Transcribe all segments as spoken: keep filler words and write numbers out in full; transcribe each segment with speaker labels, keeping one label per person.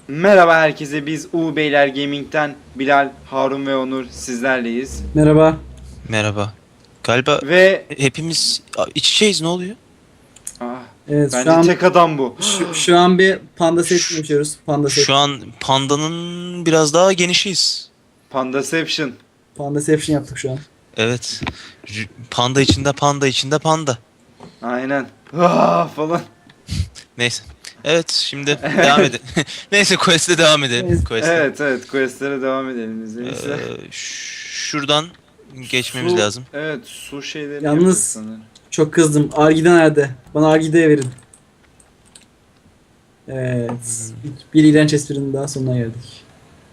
Speaker 1: Merhaba herkese, biz U Beyler Gaming'den Bilal, Harun ve Onur sizlerleyiz.
Speaker 2: Merhaba.
Speaker 3: Merhaba. Galiba
Speaker 1: Ve
Speaker 3: hepimiz Aa, iç içeyiz, ne oluyor?
Speaker 1: ah,
Speaker 2: Evet şu
Speaker 1: bence
Speaker 2: an
Speaker 1: tek adam bu.
Speaker 2: şu, şu an bir panda set
Speaker 3: Şu-
Speaker 2: yaşıyoruz. Panda set.
Speaker 3: Şu an pandanın biraz daha genişiyiz.
Speaker 1: Pandaception.
Speaker 2: Pandaception yaptık şu an.
Speaker 3: Evet. R- Panda içinde panda içinde panda.
Speaker 1: Aynen. Ah, falan.
Speaker 3: Neyse. Evet, şimdi devam edelim. Neyse, quest'e devam edelim.
Speaker 2: Evet.
Speaker 3: Quest'e.
Speaker 1: Evet evet, questlere devam edelim izninizle.
Speaker 3: Ee, ş- şuradan geçmemiz
Speaker 1: Su-
Speaker 3: lazım.
Speaker 1: Evet, su şeylerini
Speaker 2: Yalnız-
Speaker 1: yapacağız sanırım.
Speaker 2: Çok kızdım. Argide nerede? Bana Argide'ye verin. Evet. Bir iğrenç esprinin daha sonuna geldik.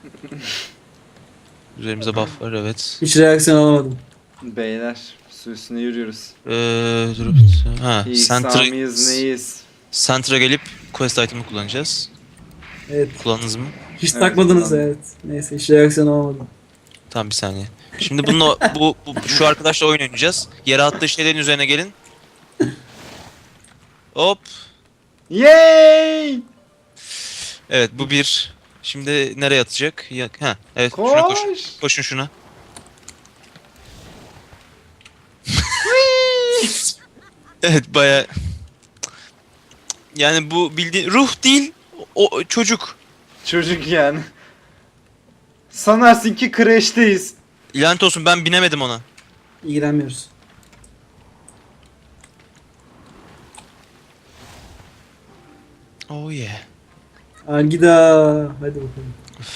Speaker 3: Üzerimize buff var, evet.
Speaker 2: Hiç reaksiyon alamadım.
Speaker 1: Beyler, su üstüne yürüyoruz.
Speaker 3: Ee, dur. Ha,
Speaker 1: İyi
Speaker 3: Centra,
Speaker 1: mıyız neyiz?
Speaker 3: Centra gelip quest item'ı kullanacağız.
Speaker 2: Evet.
Speaker 3: Kullandınız mı?
Speaker 2: Hiç
Speaker 1: Evet,
Speaker 2: takmadınız
Speaker 1: kullandım.
Speaker 2: evet. Neyse hiç reaksiyon alamadım.
Speaker 3: Tamam, bir saniye. Şimdi bununla bu, bu şu arkadaşla oyun oynayacağız. Yere attığı şeylerin üzerine gelin. Hop.
Speaker 1: Yay!
Speaker 3: Evet, bu bir. Şimdi nereye atacak? Ya, ha, evet, şuna koş.
Speaker 1: Koş!
Speaker 3: Koşun şuna. Evet, baya. Yani bu bildiğin ruh değil, o çocuk.
Speaker 1: Çocuk yani. Sanarsın ki crash'teyiz.
Speaker 3: Lanet olsun, ben binemedim ona.
Speaker 2: İlgilenmiyoruz.
Speaker 3: Oh yeah.
Speaker 2: Argida. Hadi bakalım.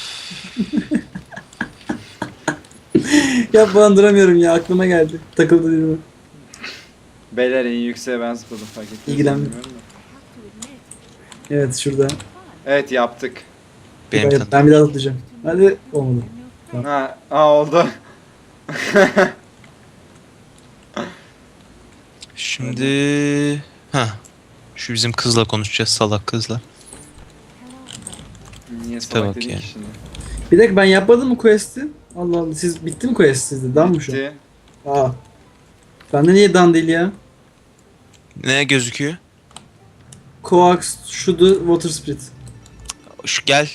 Speaker 2: Ya ben duramıyorum ya aklıma geldi. Takıldı dilime.
Speaker 1: Beyler en yükseğe ben zıpladım, fark ettiniz mi
Speaker 2: İlgilenmiyorum.
Speaker 1: bilmiyorum da.
Speaker 2: Evet şurada.
Speaker 1: Evet, yaptık.
Speaker 3: Benim
Speaker 2: ben,
Speaker 3: tanıdığım.
Speaker 2: ben bir daha atlayacağım. Hadi olmadı.
Speaker 1: Ha, aa, oldu.
Speaker 3: Şimdi ha, şu bizim kızla konuşacağız, salak kızla.
Speaker 1: Niye
Speaker 3: Tipe
Speaker 1: salak
Speaker 3: bak
Speaker 1: dedik
Speaker 3: ya.
Speaker 1: ki şimdi?
Speaker 2: Bir dakika ben yapmadım mı quest'i? Allah Allah siz bitti mi quest sizde? Dan mı şu an?
Speaker 1: Bitti.
Speaker 2: Aa. Bende niye dan değil ya?
Speaker 3: Ne gözüküyor?
Speaker 2: Coax şudu water spirit.
Speaker 3: Şu gel.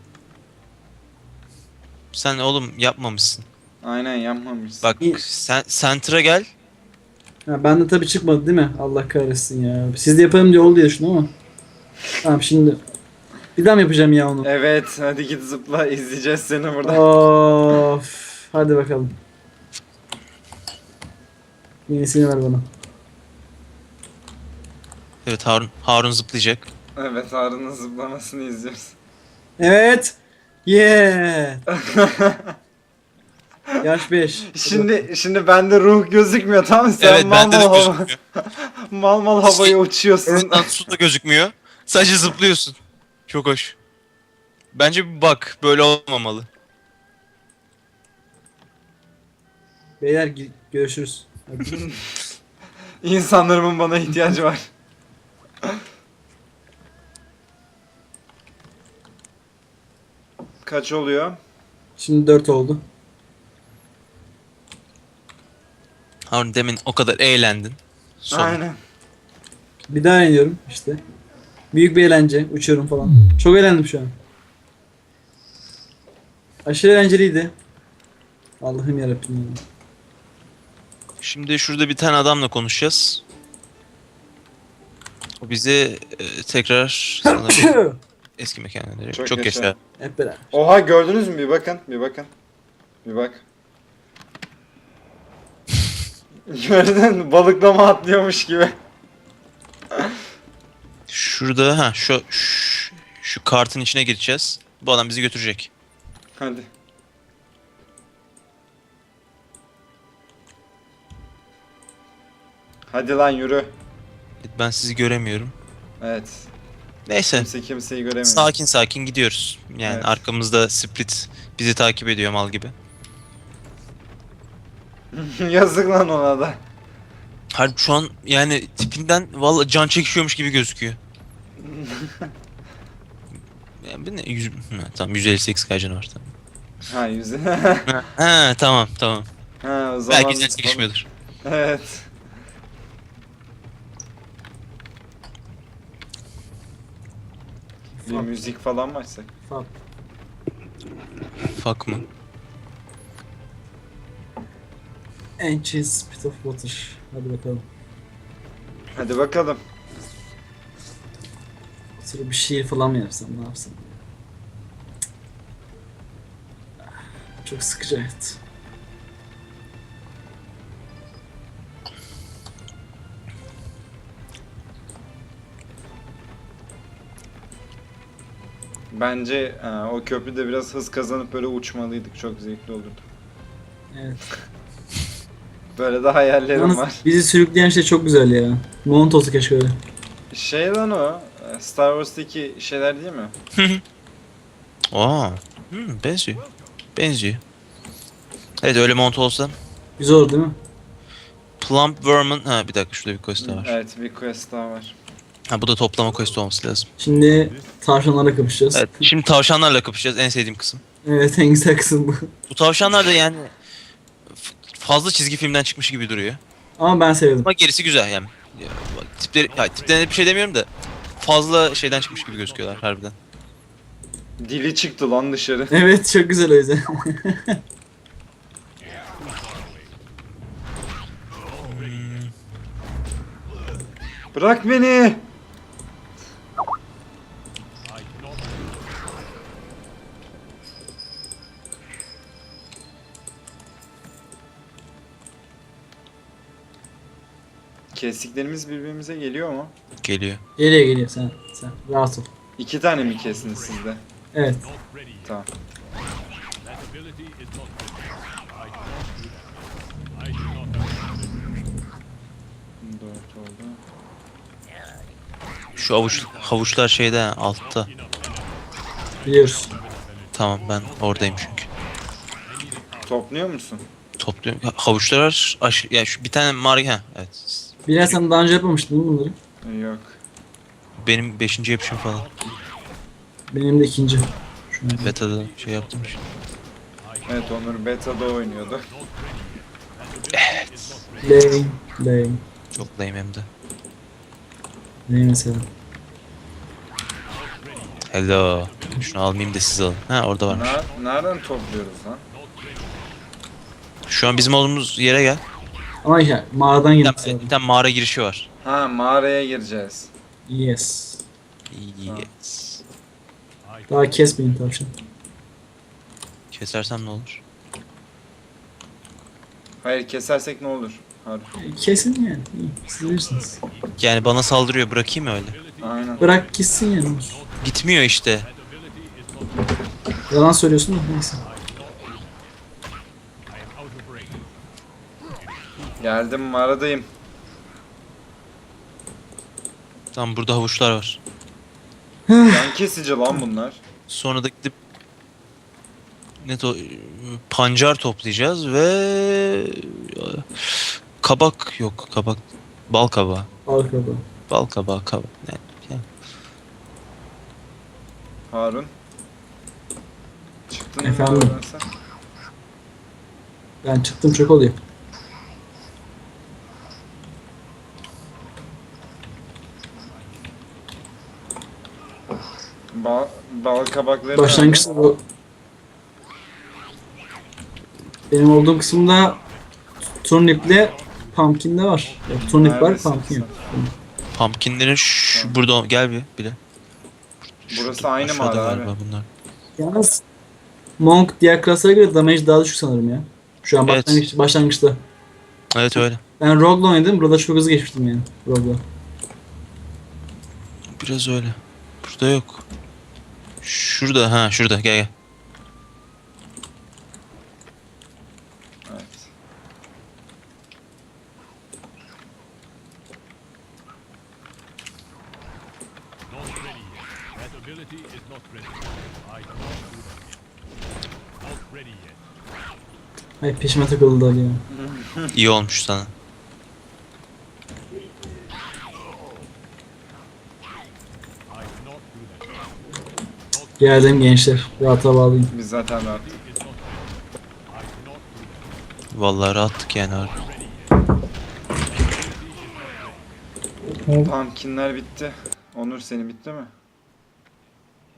Speaker 3: Sen oğlum yapmamışsın.
Speaker 1: Aynen, yapmamışsın.
Speaker 3: Bak
Speaker 2: İyi.
Speaker 3: sen Center'a gel.
Speaker 2: Ha, bende tabi çıkmadı değil mi? Allah kahretsin ya. Siz de yapalım diye oldu ya şunu ama. Tamam şimdi. Bir daha mı yapacağım ya onu?
Speaker 1: Evet, hadi git zıpla, izleyeceğiz seni burada.
Speaker 2: Of. Hadi bakalım. Yenisini ver bana.
Speaker 3: Evet, Harun Harun zıplayacak.
Speaker 1: Evet, Harun'un zıplamasını izliyoruz.
Speaker 2: Evet. Yeah. Yaş beş.
Speaker 1: Şimdi şimdi bende ruh gözükmüyor, tamam mı? Sen
Speaker 3: Evet,
Speaker 1: mal
Speaker 3: bende de
Speaker 1: mal hava,
Speaker 3: gözükmüyor.
Speaker 1: mal mal havaya uçuyorsun.
Speaker 3: Evet lan, su da gözükmüyor. Sadece zıplıyorsun. Çok hoş. Bence bir bak, böyle olmamalı.
Speaker 2: Beyler gi- görüşürüz. Hadi.
Speaker 1: İnsanlarımın bana ihtiyacı var. Kaç oluyor?
Speaker 2: Şimdi dört oldu.
Speaker 3: Harun, demin o kadar eğlendin. Sonra.
Speaker 1: Aynen.
Speaker 2: Bir daha iniyorum işte. Büyük bir eğlence. Uçuyorum falan. Çok eğlendim şu an. Aşırı eğlenceliydi. Allah'ım yarabbim. ya.
Speaker 3: Şimdi şurada bir tane adamla konuşacağız. O bizi e, tekrar sanırım eski mekanına dönecek.
Speaker 1: Çok
Speaker 3: Çok,
Speaker 1: yaşa.
Speaker 3: yaşa.
Speaker 2: Hep beraber.
Speaker 1: Oha, gördünüz mü? Bir bakın, bir bakın. Bir bak. Gördün mü? Balıklama atlıyormuş gibi.
Speaker 3: Şurada ha şu, şu şu kartın içine gireceğiz. Bu adam bizi götürecek.
Speaker 1: Hadi. Hadi lan yürü.
Speaker 3: Ben sizi göremiyorum.
Speaker 1: Evet.
Speaker 3: Neyse.
Speaker 1: Kimse kimseyi göremiyor.
Speaker 3: Sakin sakin gidiyoruz. Yani
Speaker 1: Evet.
Speaker 3: arkamızda Split bizi takip ediyor mal gibi.
Speaker 1: Yazık lan ona da.
Speaker 3: Harbi şu an yani tipinden vallahi can çekişiyormuş gibi gözüküyor. Yani bu ne? Yüz, ha, tamam, yüz elli sekiz kaç var tamam.
Speaker 1: Ha, yüzü.
Speaker 3: Ha, ha, tamam tamam.
Speaker 1: Ha, o zaman.
Speaker 3: Belki can çekişmiyordur.
Speaker 1: Evet. Bir müzik falan mı açsak?
Speaker 2: Fuck.
Speaker 3: Fuck mı?
Speaker 2: Ancient Spit of Water. Hadi bakalım.
Speaker 1: Hadi bakalım.
Speaker 2: Oturup bir şiir falan mı yapsam, ne yapsam? Çok sıkıcı hayat.
Speaker 1: Bence e, o köprüde biraz hız kazanıp böyle uçmalıydık. Çok zevkli olurdu.
Speaker 2: Evet.
Speaker 1: Böyle de hayallerim
Speaker 2: Yalnız
Speaker 1: var.
Speaker 2: bizi sürükleyen şey çok güzel ya. Mont olsa keşke öyle.
Speaker 1: Şey lan o. e, Star Wars'taki şeyler değil mi?
Speaker 3: Aa. Hmm, benziyor. Benziyor. Evet öyle mont olsa.
Speaker 2: Güzel olur değil mi?
Speaker 3: Plump Worm'un... Ha bir dakika şurada bir quest daha var.
Speaker 1: Evet, bir quest daha var.
Speaker 3: Ha bu da toplama quest olması lazım.
Speaker 2: Şimdi tavşanlarla kapışacağız.
Speaker 3: Evet şimdi tavşanlarla kapışacağız, en sevdiğim kısım.
Speaker 2: Evet, en güzel kısım bu.
Speaker 3: Bu tavşanlar da yani f- fazla çizgi filmden çıkmış gibi duruyor.
Speaker 2: Ama ben sevdim.
Speaker 3: Ama gerisi güzel yani. Ya, bak, tipleri, ya, tiplerine bir şey demiyorum da fazla şeyden çıkmış gibi gözüküyorlar harbiden.
Speaker 1: Dili çıktı lan dışarı.
Speaker 2: Evet, çok güzel o yüzden.
Speaker 1: Bırak beni. Kestiklerimiz birbirimize geliyor mu?
Speaker 3: Geliyor.
Speaker 2: Geliyor geliyor, sen sen rahat ol.
Speaker 1: İki tane mi kestiniz sizde?
Speaker 2: Evet.
Speaker 1: Tamam. Dört oldu.
Speaker 3: Şu avuç havuçlar şeyde ha, altta.
Speaker 2: Biliyoruz.
Speaker 3: Tamam ben oradayım çünkü.
Speaker 1: Topluyor musun?
Speaker 3: Topluyorum. Ha, havuçlar var. Aş ya şu bir tane mar ha evet.
Speaker 2: Bilal, sen daha önce yapmamıştın değil mi bunları?
Speaker 1: Yok.
Speaker 3: Benim beşinci yapışım falan.
Speaker 2: Benim de ikinci. Şu an.
Speaker 3: Beta'da şey yaptım işte.
Speaker 1: Evet, Onur beta'da oynuyordu.
Speaker 2: Lame. Lame.
Speaker 3: Çok lame hem de.
Speaker 2: Lame mesela.
Speaker 3: Hello. Şunu almayayım da siz alın. Ha orada varmış.
Speaker 1: Na nereden topluyoruz lan?
Speaker 3: Şu an bizim olduğumuz yere gel.
Speaker 2: Ama ya mağaradan
Speaker 3: Bir
Speaker 2: girdik
Speaker 3: tane,
Speaker 2: zaten.
Speaker 3: bir tane mağara girişi var.
Speaker 1: Ha, mağaraya gireceğiz.
Speaker 2: Yes.
Speaker 3: Yes.
Speaker 2: Daha kesmeyin tavşan.
Speaker 3: Kesersem ne olur?
Speaker 1: Hayır, kesersek ne olur? Harbi.
Speaker 2: E, Kesin yani. İyi. Siz bilirsiniz.
Speaker 3: Yani bana saldırıyor, bırakayım mı öyle?
Speaker 1: Aynen.
Speaker 2: Bırak gitsin yani.
Speaker 3: Gitmiyor işte.
Speaker 2: Yalan söylüyorsun da neyse.
Speaker 1: Geldim, mağaradayım.
Speaker 3: Tamam burada havuçlar var.
Speaker 1: Yan kesici lan bunlar.
Speaker 3: Sonra da gidip ne to pancar toplayacağız ve kabak yok kabak bal kabağı
Speaker 2: Arkada.
Speaker 3: bal kabağı kabak ne yani.
Speaker 1: Harun. Çıktın mı
Speaker 2: Efendim?
Speaker 1: mağaradan sen?
Speaker 2: Ben çıktım, çok oluyor.
Speaker 1: Bal, bal kabakları
Speaker 2: Başlangıçta bu. Benim olduğum kısımda turniple pumpkin de var. Yok, turnip var,
Speaker 1: Neredesin
Speaker 2: pumpkin yok.
Speaker 3: Pumpkinlerin şu burada gel bir bile.
Speaker 1: Burası aynı
Speaker 3: aşağıda
Speaker 1: mağara
Speaker 3: galiba
Speaker 1: abi.
Speaker 3: bunlar.
Speaker 2: Yalnız Monk diğer klaslara göre damage daha düşük sanırım ya. Şu an
Speaker 3: Evet.
Speaker 2: başlangıç, başlangıçta.
Speaker 3: Evet öyle.
Speaker 2: Ben Rogue'la oynadım. Burada çok hızlı geçmiştim yani. Rogue'la.
Speaker 3: Biraz öyle. Burada yok. Şurada ha şurada gel gel.
Speaker 1: Evet.
Speaker 2: Ay, peşime takıldılar ya.
Speaker 3: İyi olmuş sana.
Speaker 2: Geldim gençler. Rahata bağlayayım.
Speaker 1: Biz zaten rahat.
Speaker 3: Vallahi rahattık yani harbi.
Speaker 1: Pumpkinler bitti. Onur, seni bitti mi?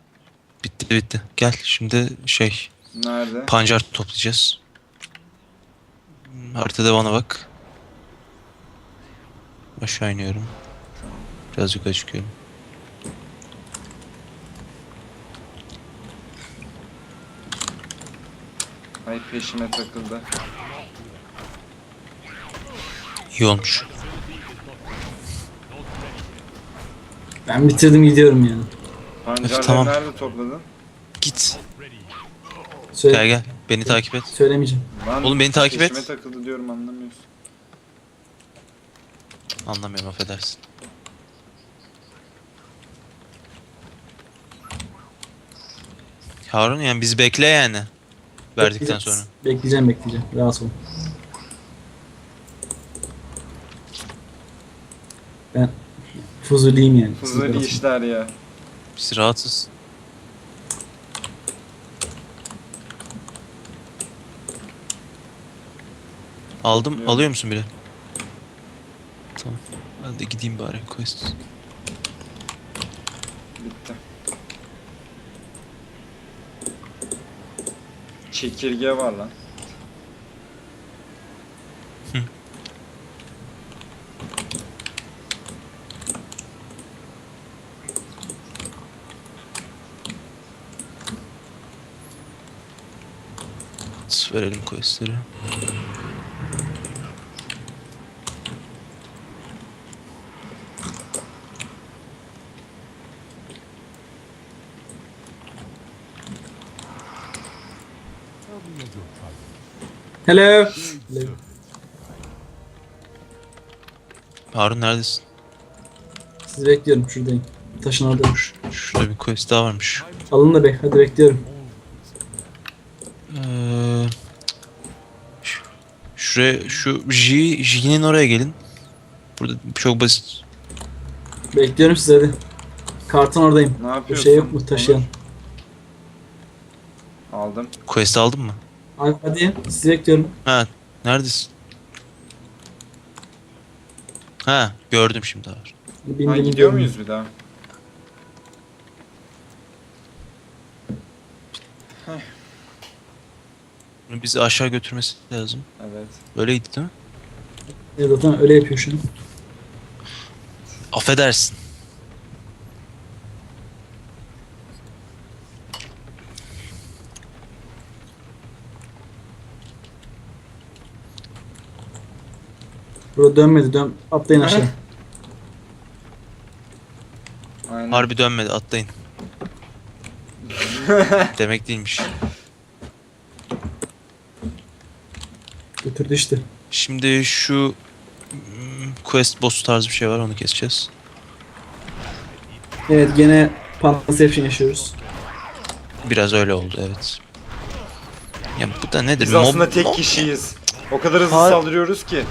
Speaker 3: bitti. Gel şimdi şey
Speaker 1: Nerede?
Speaker 3: pancar toplayacağız. Hmm, Haritada bana bak. Aşağı iniyorum. Biraz yukarı çıkıyorum.
Speaker 1: Ay peşime takıldı.
Speaker 3: İyi olmuş.
Speaker 2: Ben bitirdim gidiyorum yani.
Speaker 1: Pancarları
Speaker 3: tamam.
Speaker 1: nerede topladın?
Speaker 3: Git.
Speaker 2: Söyle,
Speaker 3: Gel gel. Beni takip et.
Speaker 2: Söylemeyeceğim.
Speaker 1: Lan
Speaker 3: Oğlum beni takip
Speaker 1: peşime
Speaker 3: et.
Speaker 1: takıldı diyorum anlamıyorsun.
Speaker 3: Anlamıyorum, affedersin. Harun yani bizi bekle yani. Verdikten
Speaker 2: Bekleyeceğiz.
Speaker 3: sonra.
Speaker 2: Bekleyeceğim bekleyeceğim. Rahat ol. Ben fuzuliyim yani. Siz
Speaker 1: Fuzuli
Speaker 2: rahat olun.
Speaker 1: işler ya.
Speaker 3: Biz rahatsız. Aldım.
Speaker 1: Yok.
Speaker 3: Alıyor musun bile? Tamam. Ben de gideyim bari quest.
Speaker 1: Bitti. Çekirge var lan.
Speaker 3: Verelim questleri.
Speaker 2: Hello. Hello.
Speaker 3: Harun neredesin?
Speaker 2: Sizi bekliyorum şuradayım. Taşın orada.
Speaker 3: Şurada bir quest daha varmış.
Speaker 2: Alın da bek. Hadi bekliyorum.
Speaker 3: Ee, şu- şuraya şu J J'nin oraya gelin. Burada çok basit.
Speaker 2: Bekliyorum sizi hadi. Karton oradayım.
Speaker 1: Ne
Speaker 2: Bir
Speaker 1: yapıyorsun?
Speaker 2: şey yok mu taşıyan?
Speaker 1: Onur? Aldım.
Speaker 3: Quest aldın mı?
Speaker 2: Hadi, hadi sizi bekliyorum.
Speaker 3: Ha, neredesin? Ha, gördüm şimdi var.
Speaker 2: Bindim,
Speaker 1: Ha, gidiyor
Speaker 2: gidiyorum.
Speaker 1: muyuz bir daha?
Speaker 3: Bunu bizi aşağı götürmesi lazım.
Speaker 1: Evet.
Speaker 3: Öyleydi değil mi?
Speaker 2: Evet zaten öyle yapıyor şu an.
Speaker 3: Affedersin.
Speaker 2: Burada dönmedi dön. Atlayın aşağı.
Speaker 1: Aynen.
Speaker 3: Harbi dönmedi, atlayın. Demek değilmiş.
Speaker 2: Götürdü işte.
Speaker 3: Şimdi şu hmm, quest boss tarzı bir şey var, onu keseceğiz.
Speaker 2: Evet gene Panception yaşıyoruz.
Speaker 3: Biraz öyle oldu, evet. Ya bu da nedir?
Speaker 1: Biz
Speaker 3: Mob-
Speaker 1: aslında tek
Speaker 3: mob-
Speaker 1: kişiyiz. O kadar hızlı
Speaker 3: Har-
Speaker 1: saldırıyoruz ki.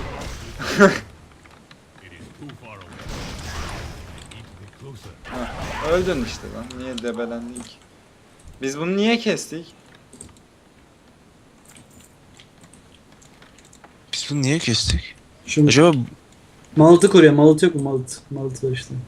Speaker 1: Heh, öldün işte lan. Niye debelendin ki? Biz bunu niye kestik?
Speaker 3: Biz bunu niye kestik?
Speaker 2: Şu
Speaker 3: Acaba
Speaker 2: Malt'ı koruyor. Malt yok mu? Malt. Malt var işte.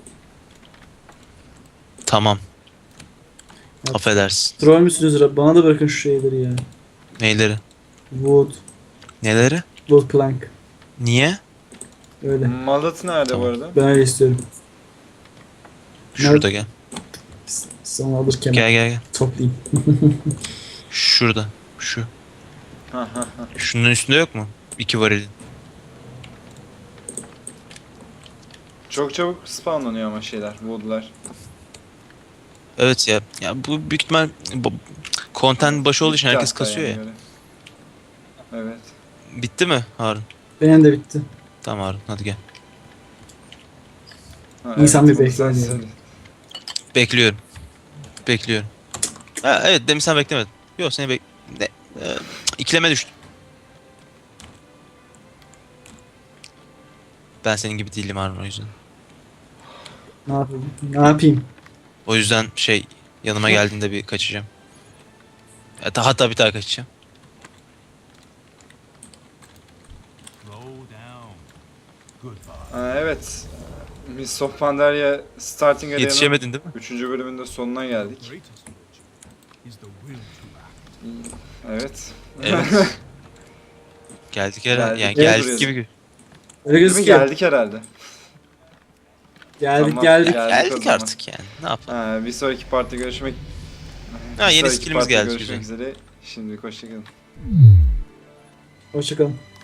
Speaker 3: tamam.
Speaker 2: Ya-
Speaker 3: Affedersin.
Speaker 2: Troll müsünüz? Rab? Bana da bırakın şu şeyleri ya.
Speaker 3: Neyleri?
Speaker 2: Wood.
Speaker 3: Neleri?
Speaker 2: Wood plank.
Speaker 3: Niye?
Speaker 2: Öyle.
Speaker 1: Malat nerede
Speaker 3: Tamam.
Speaker 1: bu arada?
Speaker 2: Ben öyle istiyorum.
Speaker 3: Şurada gel.
Speaker 2: Sana alırken
Speaker 3: Gel gel gel.
Speaker 2: toplayayım.
Speaker 3: Şurada. Şu.
Speaker 1: Ha ha ha.
Speaker 3: Şunun üstünde yok mu? İki varilin.
Speaker 1: Çok çabuk spawnlanıyor ama şeyler, woodlar.
Speaker 3: Evet ya. Ya bu büyük ihtimal bu- content başı olduğu için
Speaker 1: Bitti
Speaker 3: herkes
Speaker 1: hatta
Speaker 3: kasıyor
Speaker 1: yani
Speaker 3: ya.
Speaker 1: göre. Evet.
Speaker 3: Bitti mi Harun?
Speaker 2: Benim de bitti.
Speaker 3: Tamam Harun, hadi gel.
Speaker 1: Ha,
Speaker 2: İnsan
Speaker 1: evet,
Speaker 2: bir
Speaker 1: bunu sen
Speaker 2: bekler yani.
Speaker 1: söyle.
Speaker 3: Bekliyorum. Bekliyorum. Ha, evet, demin sen beklemedin. Yok, seni bek... Ne? Ee, ikileme düştüm. Ben senin gibi değilim Harun, o yüzden.
Speaker 2: Ne yapayım? Ne yapayım?
Speaker 3: O yüzden şey, yanıma geldiğinde bir kaçacağım. Hatta, hatta bir daha kaçacağım.
Speaker 1: Ha, evet. Miss of Pandaria Starting Area'nın
Speaker 3: Yetişemedin değil mi?
Speaker 1: üçüncü bölümünde sonuna geldik. Evet.
Speaker 3: Evet. Geldik herhalde. Yani
Speaker 1: Geldik.
Speaker 3: geldik
Speaker 1: Evet.
Speaker 3: gibi.
Speaker 2: Öyle
Speaker 1: Değil mi?
Speaker 2: gözüküyor.
Speaker 1: Geldik herhalde.
Speaker 2: Geldik
Speaker 1: Tamam,
Speaker 2: geldik.
Speaker 1: gel-
Speaker 3: Geldik,
Speaker 1: o zaman.
Speaker 3: artık yani. Ne yapalım?
Speaker 1: Ha, bir sonraki partide görüşmek
Speaker 3: Ha,
Speaker 1: bir
Speaker 3: yeni
Speaker 1: sonraki
Speaker 3: skillimiz
Speaker 1: partide
Speaker 3: geldi,
Speaker 1: görüşmek üzere. Şimdi hoşçakalın.
Speaker 2: Hoşçakalın.